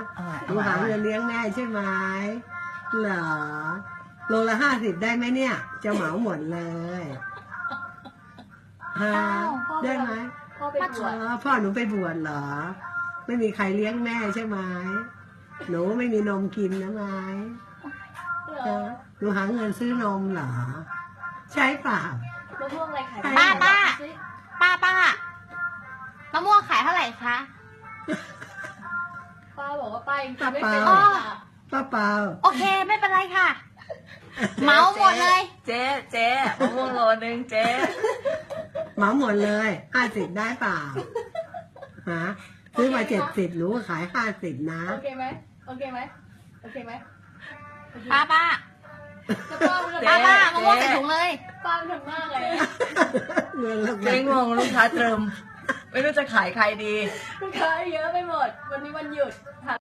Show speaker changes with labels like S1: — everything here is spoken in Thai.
S1: หนูหาเงินเลี้ยงแม่ใช่ไหมเหรอโลละ50ได้ไหมเนี่ยจะเหมาหมดเลยฮะได้ไหม
S2: พ่อไปบวช
S1: พ่อหนูไปบวชเหรอไม่มีใครเลี้ยงแม่ใช่ไหมหนูไม่มีนมกินนะไหม
S2: เหรอ
S1: หนูหาเงินซื้อนมเหรอใช่เปล่า
S2: มะม่วงอะไรขาย
S1: ป้า
S2: ป้าม
S3: ะม่วงขายเท่าไหร่คะ
S2: ป้าบอกว่าป้ายังกินไม่
S1: ป้า
S2: เป็น
S1: เปล่า
S2: ค่ะ
S1: ป้าเปล่า
S3: โอเคไม่เป็นไรค่ะ เหมาหมดเลย
S4: เจ๊มะม่วงโลนึงเจ๊
S1: เหมาหมดเลย50ได้เปล่าฮะซื้อมา70หนูก็ขาย50นะ
S2: โอเคไหมโอเคไหมโอเคไหมโอเค
S3: ป้า
S2: แล้วป้ามันทำ
S3: มะม่วงใส่ถุงเลย
S2: ป้ามันทำมากเลย
S1: เงินแล้ว
S4: เจ๊งงลูกค้าเติม ไม่รู้จะขายใครดี
S2: ลูกค้าเยอะไปหมด วันนี้วันหยุด